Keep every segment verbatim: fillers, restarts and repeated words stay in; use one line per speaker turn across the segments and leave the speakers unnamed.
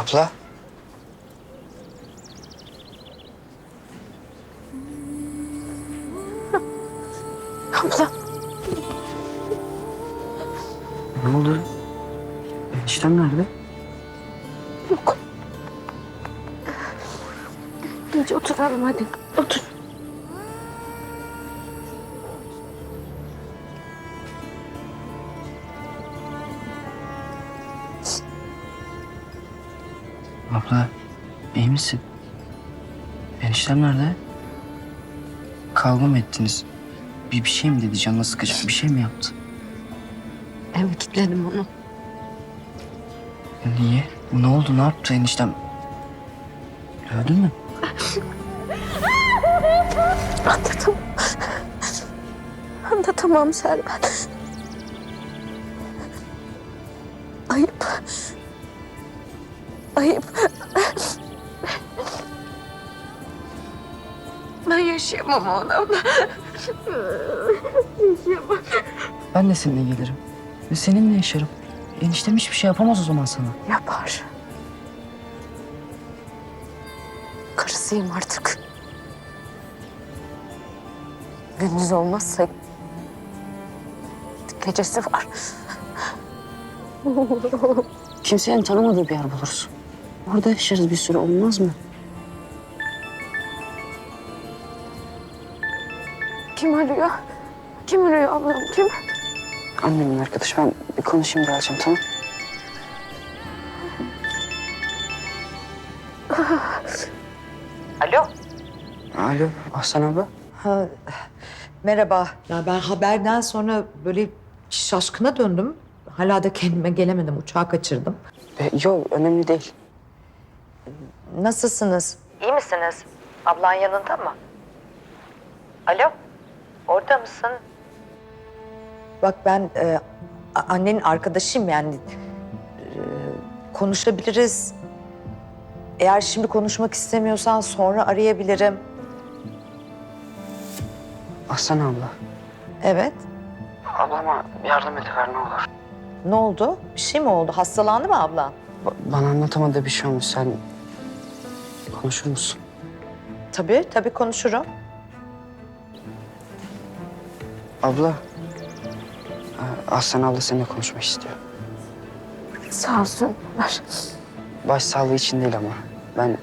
Abla.
Abla.
Ne oldu? Eniştem nerede?
Yok. Gece oturalım hadi. Otur.
Abla, iyi misin? Eniştem nerede? Kavga mı ettiniz? Bir, bir şey mi dedi, canına sıkıcı bir şey mi yaptı?
Eve kilitledim onu.
Niye? Ne oldu, ne yaptı eniştem? Öldü mü?
Anlatamam. Anlatamam Serben. Ayıp. Ayıp. Ben yaşayamam ona. Yaşayamam.
Ben de seninle gelirim. Ve seninle yaşarım. Eniştem hiçbir şey yapamaz o zaman sana.
Yapar. Karısıyım artık. Gündüz olmazsa gecesi var.
Kimsenin tanımadığı bir yer buluruz. Orada yaşarız bir süre, olmaz mı?
Kim arıyor? Kim arıyor ablam? Kim?
Annemin arkadaşı. Ben bir konuşayım geleceğim, tamam?
Alo.
Alo, Ahsen abla.
Ha, merhaba. Ya ben haberden sonra böyle şaşkına döndüm. Hala da kendime gelemedim. Uçağı kaçırdım.
E, yok, önemli değil.
Nasılsınız? İyi misiniz? Ablan yanında mı? Alo. Orada mısın? Bak ben e, a- annenin arkadaşıyım yani. E, konuşabiliriz. Eğer şimdi konuşmak istemiyorsan sonra arayabilirim.
Ahsen abla.
Evet.
Ablama yardım ediver ne olur.
Ne oldu? Bir şey mi oldu? Hastalandı mı ablan?
Ba- bana anlatamadığı bir şey olmuş. Sen konuşur musun?
Tabii, tabii konuşurum.
Abla. e, Ahsen abla seninle konuşmak istiyor.
Sağ olsun. Ver.
Baş sağlığı için değil ama. Ben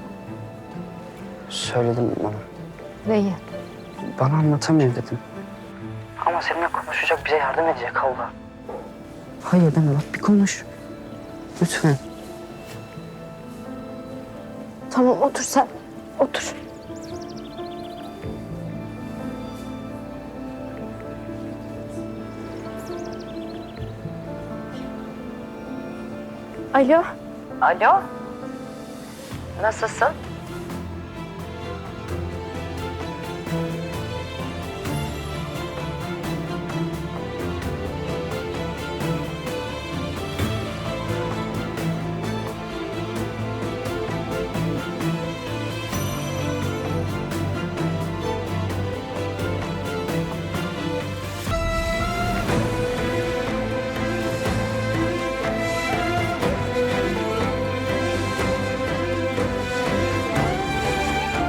söyledim bana.
Neyi?
Bana anlatamıyor dedim. Ama seninle konuşacak, bize yardım edecek abla. Hayır deme bak, bir konuş. Lütfen.
Tamam otur sen. Otur. Alo.
Alo. Nasılsın?